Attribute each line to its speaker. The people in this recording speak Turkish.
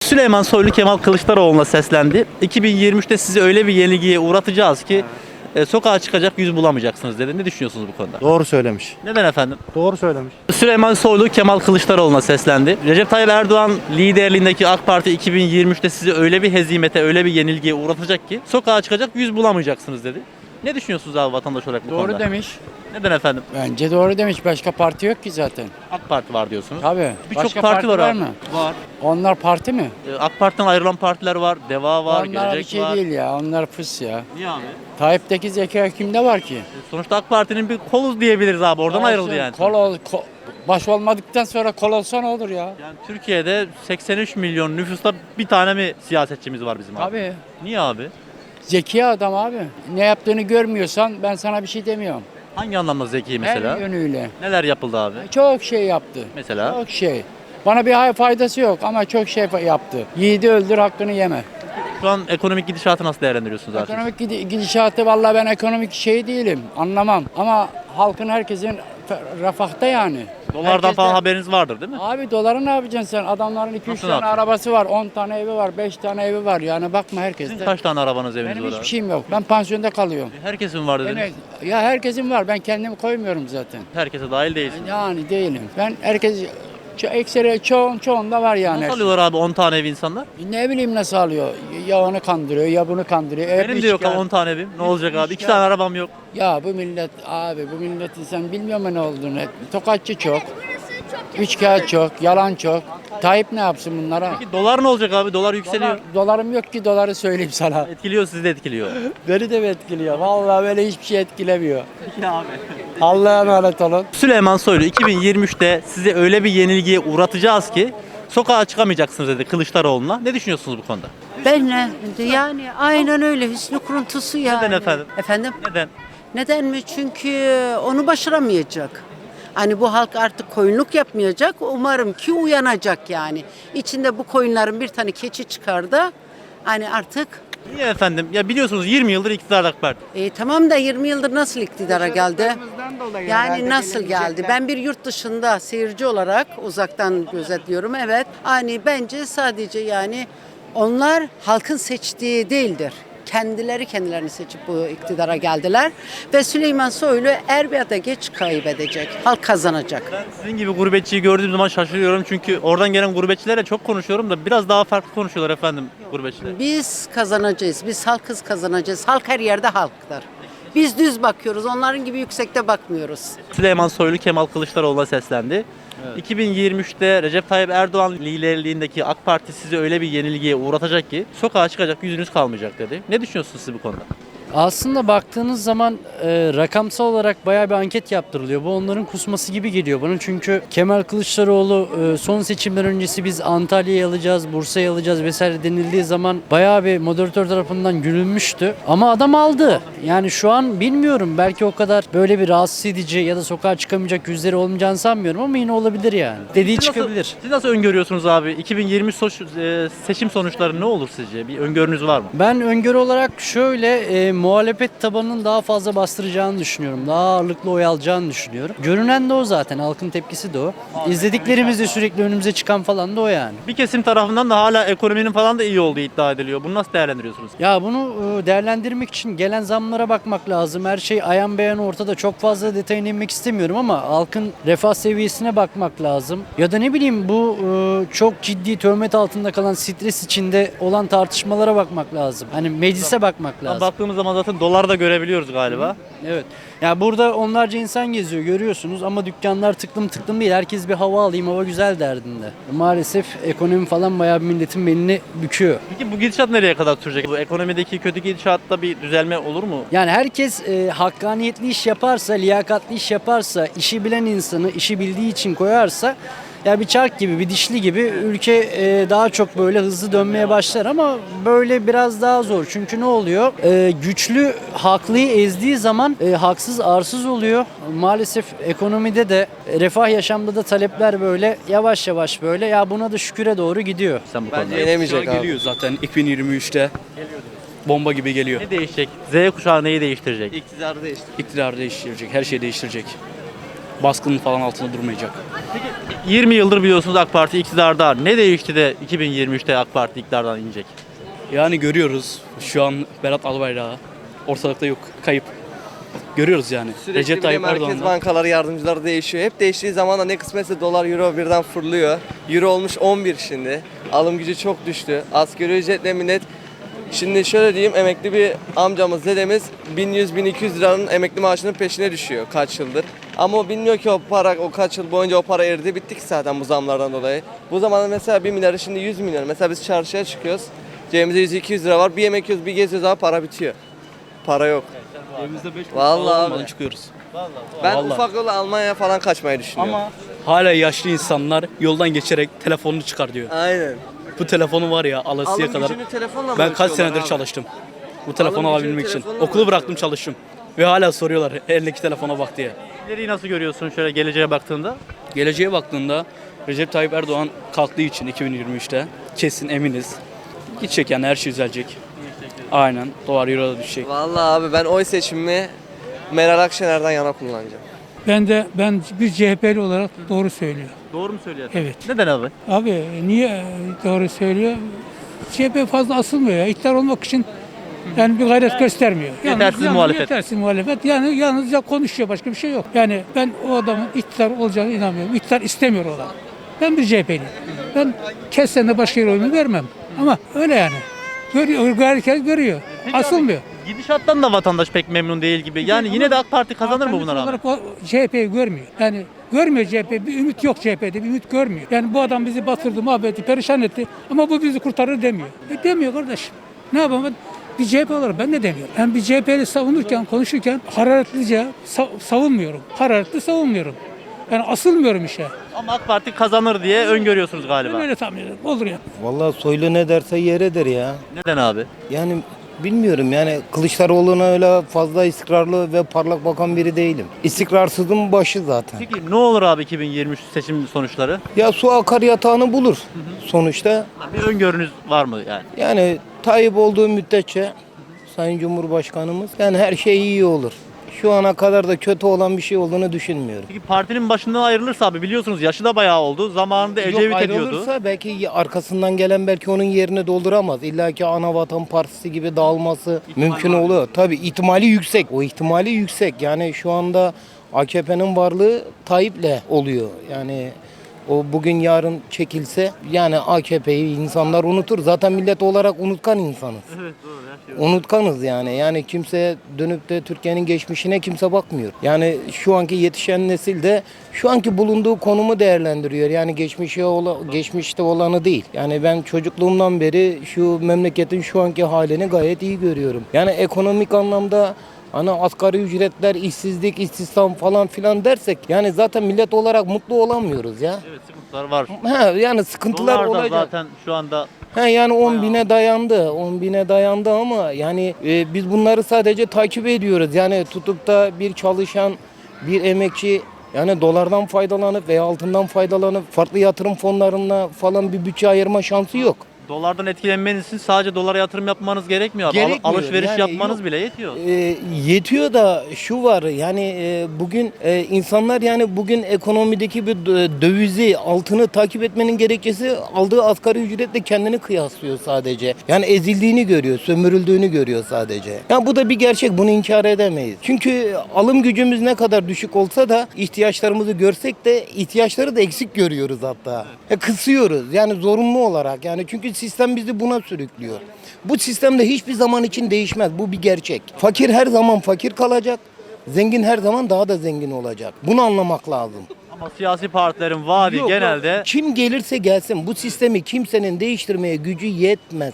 Speaker 1: Süleyman Soylu Kemal Kılıçdaroğlu'na seslendi. 2023'te sizi öyle bir yenilgiye uğratacağız ki sokağa çıkacak yüz bulamayacaksınız dedi. Ne düşünüyorsunuz bu konuda?
Speaker 2: Doğru söylemiş.
Speaker 1: Neden efendim?
Speaker 2: Doğru söylemiş.
Speaker 1: Süleyman Soylu Kemal Kılıçdaroğlu'na seslendi. Recep Tayyip Erdoğan liderliğindeki AK Parti 2023'te sizi öyle bir hezimete, öyle bir yenilgiye uğratacak ki sokağa çıkacak yüz bulamayacaksınız dedi. Ne düşünüyorsunuz abi vatandaş olarak bu konuda?
Speaker 3: Doğru demiş.
Speaker 1: Neden efendim?
Speaker 3: Bence doğru demiş. Başka parti yok ki zaten.
Speaker 1: AK Parti var diyorsunuz.
Speaker 3: Tabii.
Speaker 1: Birçok
Speaker 3: Başka
Speaker 1: parti var abi.
Speaker 3: mı?
Speaker 1: Var.
Speaker 3: Onlar parti mi?
Speaker 1: AK Parti'den ayrılan partiler var. Deva var,
Speaker 3: Onlar bir
Speaker 1: Gelecek
Speaker 3: şey
Speaker 1: var.
Speaker 3: değil ya. Onlar fıs ya.
Speaker 1: Niye abi?
Speaker 3: Tayyip'teki zeka kimde var ki?
Speaker 1: Sonuçta AK Parti'nin bir kolu diyebiliriz abi. Oradan ayrıldı yani.
Speaker 3: Baş olmadıktan sonra kol olsa ne olur ya?
Speaker 1: Yani Türkiye'de 83 milyon nüfusta bir tane mi siyasetçimiz var bizim abi?
Speaker 3: Tabii.
Speaker 1: Niye abi?
Speaker 3: Zeki adam abi. Ne yaptığını görmüyorsan ben sana bir şey demiyorum.
Speaker 1: Hangi anlamda zeki mesela?
Speaker 3: Her yönüyle.
Speaker 1: Neler yapıldı abi?
Speaker 3: Çok şey yaptı.
Speaker 1: Mesela?
Speaker 3: Çok şey. Bana bir faydası yok ama çok şey yaptı. Yiğidi öldür hakkını yeme.
Speaker 1: Şu an ekonomik gidişatı nasıl değerlendiriyorsunuz abi?
Speaker 3: Ekonomik gidişatı vallahi ben ekonomik şey değilim. Anlamam. Ama halkın herkesin refahta yani.
Speaker 1: Dolardan
Speaker 3: Herkes
Speaker 1: falan
Speaker 3: de-
Speaker 1: haberiniz vardır değil mi?
Speaker 3: Abi doları ne yapacaksın sen? Adamların 2-3
Speaker 1: Nasıl
Speaker 3: tane
Speaker 1: yapacaksın?
Speaker 3: arabası var, 10 tane evi var, 5 tane evi var. Yani bakma herkeste.
Speaker 1: Sizin kaç tane arabanız eviniz
Speaker 3: Benim
Speaker 1: var
Speaker 3: hiçbir
Speaker 1: abi?
Speaker 3: şeyim yok. Ben pansiyonda kalıyorum.
Speaker 1: Herkesin var dediniz.
Speaker 3: Ya herkesin var. Ben kendimi koymuyorum zaten.
Speaker 1: Herkese dahil değilsiniz.
Speaker 3: Yani değilim. Ben herkes ekseri çoğunda var yani.
Speaker 1: Nasıl alıyorlar abi 10 tane ev insanlar?
Speaker 3: Ne bileyim nasıl alıyor? Ya onu kandırıyor ya bunu kandırıyor.
Speaker 1: Benim de yok abi 10 tane evim. Ne olacak abi? 2 tane arabam yok.
Speaker 3: Ya bu millet abi bu milletin sen bilmiyor mu ne olduğunu? Tokatçı çok. Üçkağıt çok, yalan çok. Tayyip ne yapsın bunlara?
Speaker 1: Peki dolar ne olacak abi? Dolar yükseliyor.
Speaker 3: Dolarım yok ki doları söyleyeyim sana.
Speaker 1: Etkiliyor, sizi de etkiliyor.
Speaker 3: Beni de mi etkiliyor? Vallahi böyle hiçbir şey etkilemiyor.
Speaker 1: Peki abi.
Speaker 3: Allah'a emanet olun.
Speaker 1: Süleyman Soylu 2023'te sizi öyle bir yenilgiye uğratacağız ki sokağa çıkamayacaksınız dedi Kılıçdaroğlu'na. Ne düşünüyorsunuz bu konuda?
Speaker 4: Ben ne? Yani aynen öyle hüsnü kuruntusu yani.
Speaker 1: Neden efendim?
Speaker 4: Efendim?
Speaker 1: Neden?
Speaker 4: Neden mi? Çünkü onu başaramayacak. Hani bu halk artık koyunluk yapmayacak. Umarım ki uyanacak yani. İçinde bu koyunların bir tane keçi çıkar da hani artık
Speaker 1: Niye efendim? Ya biliyorsunuz 20 yıldır iktidarda AK Parti.
Speaker 4: tamam da 20 yıldır nasıl iktidara geldi? Yani nasıl geldi? Ben bir yurt dışında seyirci olarak uzaktan gözetliyorum. Evet. Hani bence sadece yani onlar halkın seçtiği değildir. Kendilerini seçip bu iktidara geldiler. Ve Süleyman Soylu er ya da geç kaybedecek. Halk kazanacak.
Speaker 1: Ben sizin gibi gurbetçiyi gördüğüm zaman şaşırıyorum çünkü oradan gelen gurbetçilerle çok konuşuyorum da biraz daha farklı konuşuyorlar efendim gurbetçiler.
Speaker 4: Biz kazanacağız. Biz halkız kazanacağız. Halk her yerde halktır. Biz düz bakıyoruz. Onların gibi yüksekte bakmıyoruz.
Speaker 1: Süleyman Soylu Kemal Kılıçdaroğlu'na seslendi. 2023'te Recep Tayyip Erdoğan liderliğindeki AK Parti sizi öyle bir yenilgiye uğratacak ki sokağa çıkacak yüzünüz kalmayacak dedi. Ne düşünüyorsunuz siz bu konuda?
Speaker 5: Aslında baktığınız zaman rakamsal olarak bayağı bir anket yaptırılıyor. Bu onların kusması gibi geliyor bana. Çünkü Kemal Kılıçdaroğlu son seçimler öncesi biz Antalya'yı alacağız, Bursa'yı alacağız vesaire denildiği zaman bayağı bir moderatör tarafından gülünmüştü. Ama adam aldı. Yani şu an bilmiyorum. Belki o kadar böyle bir rahatsız edici ya da sokağa çıkamayacak yüzleri olmayacağını sanmıyorum ama yine olabilir yani. Dediği
Speaker 1: Siz nasıl-
Speaker 5: çıkabilir.
Speaker 1: Siz nasıl öngörüyorsunuz abi? 2023 seçim sonuçları ne olur sizce? Bir öngörünüz var mı?
Speaker 5: Ben öngörü olarak şöyle muhalefet tabanının daha fazla bastıracağını düşünüyorum. Daha ağırlıklı oy alacağını düşünüyorum. Görünen de o zaten. Halkın tepkisi de o. İzlediklerimiz de sürekli önümüze çıkan falan da o yani.
Speaker 1: Bir kesim tarafından da hala ekonominin falan da iyi olduğu iddia ediliyor. Bunu nasıl değerlendiriyorsunuz?
Speaker 5: Ya bunu değerlendirmek için gelen zamlara bakmak lazım. Her şey ayan beyan ortada. Çok fazla detayına inmek istemiyorum ama halkın refah seviyesine bakmak lazım. Ya da ne bileyim bu çok ciddi töhmet altında kalan stres içinde olan tartışmalara bakmak lazım. Hani meclise bakmak lazım.
Speaker 1: Baktığımız zaman zaten doları da görebiliyoruz galiba.
Speaker 5: Evet. Ya burada onlarca insan geziyor görüyorsunuz ama dükkanlar tıklım tıklım değil. Herkes bir hava alayım, hava güzel derdinde. Maalesef ekonomi falan bayağı bir milletin belini büküyor.
Speaker 1: Peki bu gidişat nereye kadar sürecek? Bu ekonomideki kötü gidişatta bir düzelme olur mu?
Speaker 5: Yani herkes hakkaniyetli iş yaparsa, liyakatli iş yaparsa, işi bilen insanı işi bildiği için koyarsa ya bir çark gibi, bir dişli gibi ülke daha çok böyle hızlı dönmeye başlar ama böyle biraz daha zor. Çünkü ne oluyor? Güçlü haklıyı ezdiği zaman haksız arsız oluyor. Maalesef ekonomide de refah yaşamda da talepler böyle yavaş yavaş böyle ya buna da şüküre doğru gidiyor.
Speaker 1: Sen bu konuda.
Speaker 6: Yenemeyecek abi. Geliyor zaten 2023'te. Bomba gibi geliyor.
Speaker 1: Ne değişecek? Z kuşağı neyi değiştirecek?
Speaker 6: İktidar değiştirecek, her şeyi değiştirecek. baskının falan altında durmayacak.
Speaker 1: 20 yıldır biliyorsunuz AK Parti iktidarda. Ne değişti de 2023'te AK Parti iktidardan inecek?
Speaker 6: Yani görüyoruz şu an Berat Albayrak'ı ortalıkta yok, kayıp. Görüyoruz yani.
Speaker 2: Sürekli
Speaker 6: Recep
Speaker 2: bir de
Speaker 6: Tayyip
Speaker 2: merkez
Speaker 6: Erdoğan'la.
Speaker 2: bankaları yardımcıları değişiyor. Hep değiştiği zaman da ne kısmetse dolar, euro birden fırlıyor. Euro olmuş 11 şimdi. Alım gücü çok düştü. Asgari ücretle millet. Şimdi şöyle diyeyim, emekli bir amcamız, dedemiz 1100-1200 liranın emekli maaşının peşine düşüyor kaç yıldır. Ama o bilmiyor ki o para, o kaç yıl boyunca o para eridi, bitti ki zaten bu zamlardan dolayı. Bu zamanda mesela 1 milyarı şimdi 100 milyon. Mesela biz çarşıya çıkıyoruz. Cebimizde 100-200 lira var. Bir yemek yiyoruz, bir geziyoruz ama para bitiyor. Para yok.
Speaker 6: Evimizde 5
Speaker 2: Vallahi
Speaker 6: olmadan
Speaker 2: abi.
Speaker 6: çıkıyoruz.
Speaker 2: Ben
Speaker 6: Vallahi.
Speaker 2: ufak yolla Almanya'ya falan kaçmayı düşünüyorum.
Speaker 6: Ama hala yaşlı insanlar yoldan geçerek telefonunu çıkar diyor.
Speaker 2: Aynen.
Speaker 6: Bu telefonu var ya alasıya
Speaker 2: Alım
Speaker 6: kadar.
Speaker 2: gücünü telefonla mı
Speaker 6: Ben kaç
Speaker 2: ölçüyorlar
Speaker 6: senedir
Speaker 2: abi?
Speaker 6: çalıştım. Bu telefonu
Speaker 2: Alım gücünü
Speaker 6: alabilmek için.
Speaker 2: telefonla mı
Speaker 6: Okulu bıraktım,
Speaker 2: ölçüyorlar?
Speaker 6: çalıştım. Ve hala soruyorlar eldeki telefona bak diye.
Speaker 1: İleriyi nasıl görüyorsun şöyle geleceğe baktığında?
Speaker 6: Geleceğe baktığında Recep Tayyip Erdoğan kalktığı için 2023'te kesin eminiz. Gidecek yani, her şey düzelecek. Aynen. Dolar euro da düşecek.
Speaker 2: Vallahi abi ben oy seçimimi Meral Akşener'den yana kullanacağım.
Speaker 7: Ben bir CHP'li olarak doğru söylüyor.
Speaker 1: Doğru mu söylüyorsun?
Speaker 7: Evet.
Speaker 1: Neden abi?
Speaker 7: Abi niye doğru söylüyor? CHP fazla asılmıyor ya. İktidar olmak için yani bir gayret göstermiyor.
Speaker 1: Yetersiz muhalefet.
Speaker 7: Yetersiz muhalefet. Yani yalnızca konuşuyor, başka bir şey yok. Yani ben o adamın iktidar olacağına inanmıyorum. İktidar istemiyor o adam. Ben bir CHP'liyim. Ben kessen de başka yere oyunu vermem. Ama öyle yani. Görüyor, herkes görüyor. Asılmıyor.
Speaker 1: Gidişattan da vatandaş pek memnun değil gibi. Yani yine de AK Parti kazanır mı buna rağmen?
Speaker 7: Olarak o CHP'yi görmüyor. Yani görmüyor CHP. Bir ümit yok CHP'de. Bir ümit görmüyor. Yani bu adam bizi batırdı, mahvetti, perişan etti. Ama bu bizi kurtarır demiyor. Demiyor kardeşim. Ne yapalım ben? Bir CHP olarak ben de demiyorum. Ben bir CHP'li savunurken, konuşurken hararetlice savunmuyorum. Hararetli savunmuyorum. Yani asılmıyorum işe.
Speaker 1: Ama AK Parti kazanır diye öngörüyorsunuz galiba.
Speaker 7: Ben öyle tahmin ediyorum. Olur ya.
Speaker 8: Vallahi Soylu ne derse yeredir ya.
Speaker 1: Neden abi?
Speaker 8: Yani bilmiyorum yani Kılıçdaroğlu'na öyle fazla istikrarlı ve parlak bakan biri değilim. İstikrarsızın başı zaten.
Speaker 1: Peki ne olur abi 2023 seçim sonuçları?
Speaker 8: Ya su akar yatağını bulur sonuçta.
Speaker 1: Bir öngörünüz var mı yani?
Speaker 8: Yani Tayyip olduğu müddetçe Sayın Cumhurbaşkanımız yani her şey iyi olur. Şu ana kadar da kötü olan bir şey olduğunu düşünmüyorum.
Speaker 1: Peki partinin başından ayrılırsa abi biliyorsunuz yaşı da bayağı oldu. Zamanında Ecevit
Speaker 8: Yok,
Speaker 1: ediyordu.
Speaker 8: ayrılırsa belki arkasından gelen belki onun yerini dolduramaz. İlla ki Anavatan Partisi gibi dağılması mümkün oluyor. Tabii ihtimali yüksek. O ihtimali yüksek. Yani şu anda AKP'nin varlığı Tayyip'le oluyor. Yani o bugün yarın çekilse yani AKP'yi insanlar unutur. Zaten millet olarak unutkan insanız.
Speaker 1: Evet doğru her şey.
Speaker 8: Unutkanız yani. Yani kimse dönüp de Türkiye'nin geçmişine kimse bakmıyor. Yani şu anki yetişen nesil de şu anki bulunduğu konumu değerlendiriyor. Yani geçmişte olanı değil. Yani ben çocukluğumdan beri şu memleketin şu anki halini gayet iyi görüyorum. Yani ekonomik anlamda hani asgari ücretler, işsizlik, istihdam falan filan dersek yani zaten millet olarak mutlu olamıyoruz ya.
Speaker 1: Evet sıkıntılar var.
Speaker 8: Yani sıkıntılar
Speaker 1: Dolar da
Speaker 8: olacak.
Speaker 1: zaten şu anda
Speaker 8: Yani 10 bine dayandı. 10 bine dayandı ama yani biz bunları sadece takip ediyoruz. Yani tutup da bir çalışan, bir emekçi yani dolardan faydalanıp veya altından faydalanıp farklı yatırım fonlarına falan bir bütçe ayırma şansı yok.
Speaker 1: dolardan etkilenmeniz için sadece dolara yatırım yapmanız gerekmiyor. Abi.
Speaker 8: Gerekmiyor.
Speaker 1: Alışveriş
Speaker 8: Yani
Speaker 1: yapmanız
Speaker 8: yok.
Speaker 1: bile yetiyor.
Speaker 8: Yetiyor da şu var yani bugün insanlar yani bugün ekonomideki bir dövizi altını takip etmenin gerekçesi aldığı asgari ücretle kendini kıyaslıyor sadece. Yani ezildiğini görüyor, sömürüldüğünü görüyor sadece. Yani bu da bir gerçek, bunu inkar edemeyiz. Çünkü alım gücümüz ne kadar düşük olsa da ihtiyaçlarımızı görsek de ihtiyaçları da eksik görüyoruz hatta. Kısıyoruz yani zorunlu olarak yani çünkü sistem bizi buna sürüklüyor. Bu sistem de hiçbir zaman için değişmez. Bu bir gerçek. Fakir her zaman fakir kalacak. Zengin her zaman daha da zengin olacak. Bunu anlamak lazım.
Speaker 1: Ama siyasi partilerin vaadi
Speaker 8: Yok,
Speaker 1: genelde
Speaker 8: kim gelirse gelsin bu sistemi kimsenin değiştirmeye gücü yetmez.